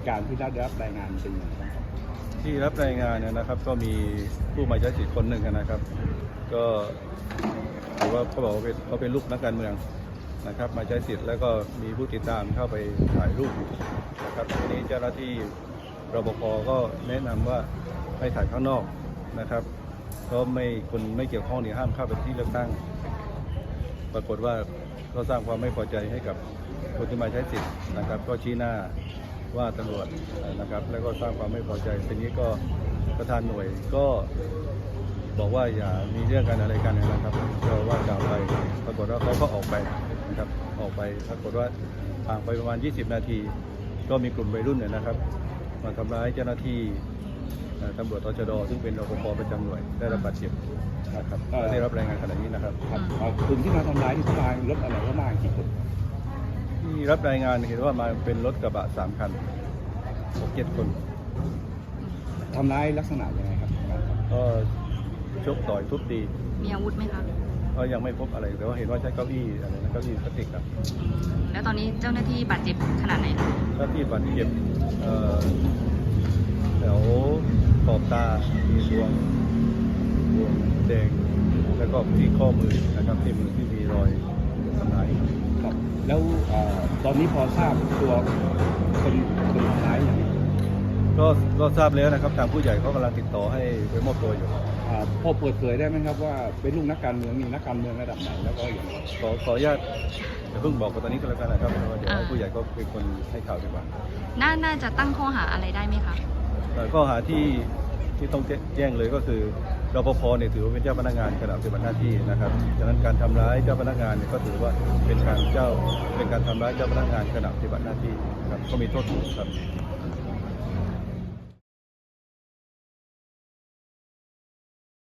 ตุการณ์ที่ได้รับรายงานเป็นอย่างไรครับที่รับรายงานเนี่ยนะครับก็มีผู้มาใช้สิทธิ์คนหนึ่งนะครับก็ถือว่าเขาบอกว่าเขาเป็นลูกนักการเมืองนะครับมาใช้สิทธิ์แล้วก็มีผู้ติดตามเข้าไปถ่ายรูปนะครับทีนี้เจ้าหน้าที่รปภก็แนะนำว่าให้ถ่ายข้างนอกนะครับเพราะคนไม่เกี่ยวข้องเนี่ยห้ามเข้าไปที่เลือกตั้งปรากฏว่าก็สร้างความไม่พอใจให้กับคนที่มาใช้สิทธิ์นะครับก็ชี้หน้าว่าตำรวจนะครับแล้วก็สร้างความไม่พอใจทีนี้ก็ประธานหน่วยก็บอกว่าอย่ามีเรื่องกันอะไรกันนะครับก็ว่ากล่าวไปปรากฏว่าเขาก็ออกไปนะครับออกไปปรากฏว่าห่างไปประมาณ20 นาทีก็มีกลุ่มวัยรุ่นเนี่ยนะครับมาทำร้ายเจ้าหน้าที่ตำรวจตชด.ซึ่งเป็นรปภประจำหน่วยได้รับบาดเจ็บนะครับได้รับรายงานขณะนี้นะครับกลุ่มที่มาทำร้ายที่มารถอะไรก็มากี่คนที่รับรายงานเห็นว่ามาเป็นรถกระบะ3 คัน 6-7 คนทำร้ายลักษณะยังไงครับก็ชกต่อยทุบตีมีอาวุธไหมคะก็ยังไม่พบอะไรแต่ว่าเห็นว่าใช้เก้าอี้อะไรนะเก้าอี้พลาสติกครับแล้วตอนนี้เจ้าหน้าที่บาดเจ็บขนาดไหนคะเจ้าหน้าที่บาดเจ็บแถวขอบตามีบวมแดงแล้วก็ที่ข้อมือนะครับที่มือที่มีรอยทำร้ายครับแล้วตอนนี้พอทราบตัวคนทำร้ายอย่างก็ทราบแล้วนะครับทางผู้ใหญ่เขากำลังติดต่อให้ไปมอบตัวอยู่พอเปิดเผยได้ไหมครับว่าเป็นลูกนักการเมืองมีนักการเมืองระดับไหนแล้วก็อย่างไรขออนุญาตอย่าเพิ่งบอกตอนนี้ก็แล้วกันนะครับเดี๋ยวผู้ใหญ่ก็เป็นคนให้ข่าวดีกว่าน่าจะตั้งข้อหาอะไรได้ไหมคะข้อหาที่ต้องแจ้งเลยก็คือรปภเนี่ยถือว่าเป็นเจ้าพนักงานขณะปฏิบัติหน้าที่นะครับฉะนั้นการทำร้ายเจ้าพนักงานเนี่ยก็ถือว่าเป็นการทำร้ายเจ้าพนักงานขณะปฏิบัติหน้าที่นะครับก็มีโทษสูงครับ